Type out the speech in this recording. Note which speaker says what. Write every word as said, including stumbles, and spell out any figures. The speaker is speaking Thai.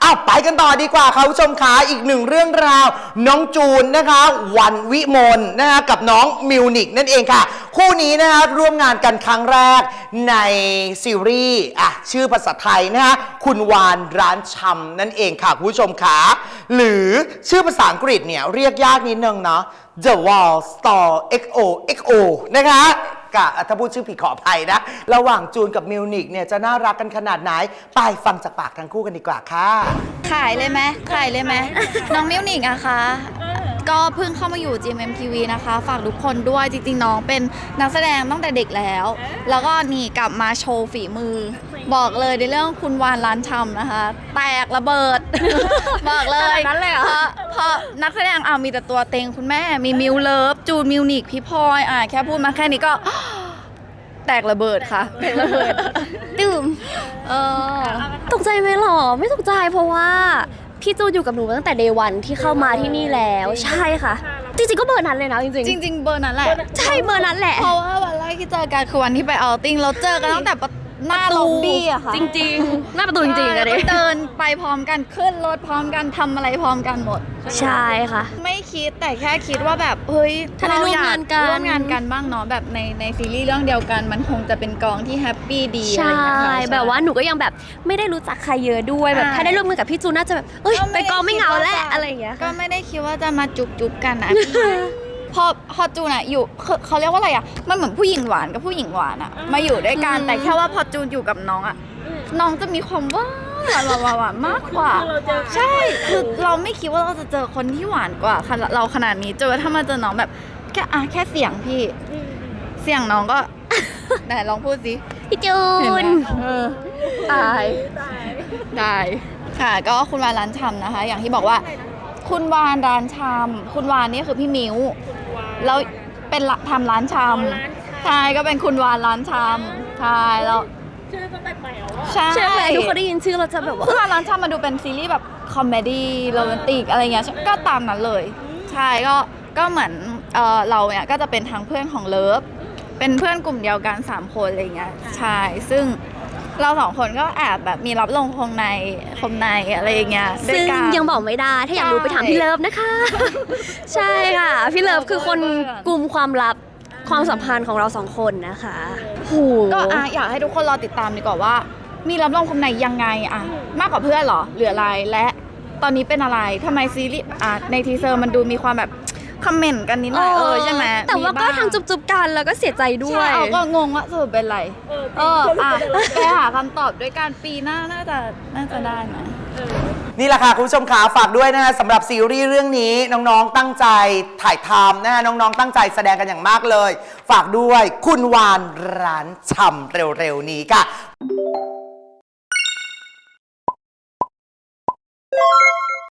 Speaker 1: อ้าวไปกันต่อดีกว่าค่ะผู้ชมขาอีกหนึ่งเรื่องราวน้องจูนนะคะวันวิมลนะคะกับน้องมิวนิกนั่นเองค่ะคู่นี้นะคะร่วมงานกันครั้งแรกในซีรีส์อ่ะชื่อภาษาไทยนะคะคุณวานร้านชำนั่นเองค่ะผู้ชมขาหรือชื่อภาษาอังกฤษเนี่ยเรียกยากนิดนึงเนาะ The Wall Store เอ็กซ์ โอ เอ็กซ์ โอ นะคะกะถ้าพูดชื่อผิดขออภัยนะระหว่างจูนกับมิวนิกเนี่ยจะน่ารักกันขนาดไหนไปฟังจากปากทั้งคู่กันดีกว่าค่ะ
Speaker 2: ขายเลยไหมขายเลยไหม น้องมิวนิกอะคะก็เพิ่งเข้ามาอยู่ จี เอ็ม เอ็ม ที วี นะคะฝากทุกคนด้วยจริงๆน้องเป็นนักแสดงตั้งแต่เด็กแล้วแล้วก็นี่กลับมาโชว์ฝีมือบอกเลยในเรื่องคุณวานร้านชำนะคะแตกระเบิด บอกเลยนั้นเลยเพราะเพราะนักแสดงเอามีแต่ตัวเต็งคุณแม่มีมิวเลิฟจูนมิวนิกพี่พลอยอ่ะแค่พูดมาแค่นี้ก็ แตกระเบิดค่ะแตกระเบิดตื่มเออ
Speaker 3: ตกใจไหมหรอไม่ตกใจเพราะว่าพี่จูนอยู่กับหนูตั้งแต่เดย์วันที่เข้ามาที่นี่แล้วใช่ค่ะจริงๆก็เบอร์นั้นเลยนะจริง
Speaker 2: ๆจริงๆเบอร์นั้นแหละ
Speaker 3: ใช่เบอร์นั้นแหละ
Speaker 2: เพราะว่าวันแรกที่เจอกันคือวันที่ไปเอาติ้งเราเจอกันตั้งแต่หน้าล็อบบี้อะค่ะ
Speaker 3: จริงๆหน้าประตูจริงๆอะ
Speaker 2: เดินไปพร้อมกันขึ้นรถพร้อมกันทำอะไรพร้อมกันหมด
Speaker 3: ใช่ค่ะ
Speaker 2: ไม่คิดแต่แค่คิดว่าแบบเฮ้ย
Speaker 3: ถ้าเราอยาก
Speaker 2: ร่วมงานกันบ้างเนาะแบบในในซีรีส์เรื่องเดียวกันมันคงจะเป็นกองที่แฮปปี้ดี
Speaker 3: ใช่แบบว่าหนูก็ยังแบบไม่ได้รู้จักใครเยอะด้วยแบบถ้าได้ร่วมมือกับพี่จูนน่าจะแบบเอ้ยไปกองไม่เหงาแล้วอะไรอย่างเงี้ย
Speaker 2: ก็ไม่ได้คิดว่าจะมาจุบจุบกันนะพอพอจูนอะอยู่เขาเรียกว่าอะไรอะมันเหมือนผู้หญิงหวานกับผู้หญิงหวานอะมาอยู่ด้วยกันแต่แค่ว่าพอจูนอยู่กับน้องอะน้องจะมีความหวานหวานหวานมากกว่าใช่คือเราไม่คิดว่าเราจะเจอคนที่หวานกว่าเราขนาดนี้เจอถ้ามาเจอน้องแบบแค่อะแค่เสียงพี่เสียงน้องก็ไหนลองพูดสิ
Speaker 3: พี่จูน
Speaker 2: ตายได้ค่ะก็คุณวานร้านชำนะคะอย่างที่บอกว่าคุณวานร้านชำคุณวานนี่คือพี่มิ้วแล้วเป็นทำร้านชำใช่ก็เป็นคุณวานร้านชำใช่แล้ว
Speaker 3: ชื่อก็แปลกๆแล้วใช่ใช่ไหมทุกคนได้ยินชื่อเราจะแบบว่า
Speaker 2: คุณวานร้านชำมาดูเป็นซีรีส์แบบคอมเมดี้โรแมนติกอะไรเงี้ยก็ตามนั้นเลยใช่ก็ก็เหมือนเออเราเนี่ยก็จะเป็นทางเพื่อนของเลิฟเป็นเพื่อนกลุ่มเดียวกันสามคนอะไรเงี้ยใช่ซึ่งเราสองคนก็แอบแบบมีรับลงคงในคมในอะไรอย่างเงี้ย
Speaker 3: ซึ่งยังบอกไม่ได้ถ้าอยากรู้ไปถามพี่เลิฟนะคะใช่ค่ะพี่เลิฟคือคนกลุ่มความลับความสัมพันธ์ของเราสองคนนะคะ
Speaker 2: ก็อยากให้ทุกคนรอติดตามดีกว่าว่ามีรับรองคมในยังไงอะมากกว่าเพื่อนหรอหรืออะไรและตอนนี้เป็นอะไรทำไมซีรีส์ในทีเซอร์มันดูมีความแบบคอมเมนต์กันนิดหน่อยเออใช่ไหม
Speaker 3: แต่ว่าก็ทางจุบๆกันแล้วก็เสียใจด้วย
Speaker 2: ใช่ก็งงว่าสรุปเป็นไรเอออ่ะไปหาคำตอบด้วยการปีหน้าน่าจะน่าจะได้ไหม
Speaker 1: นี่แหละค่ะคุณผู้ชมขาฝากด้วยนะฮะสำหรับซีรีส์เรื่องนี้น้องๆตั้งใจถ่ายทำนะฮะน้องๆตั้งใจแสดงกันอย่างมากเลยฝากด้วยคุณวานร้านชำเร็วๆนี้ค่ะ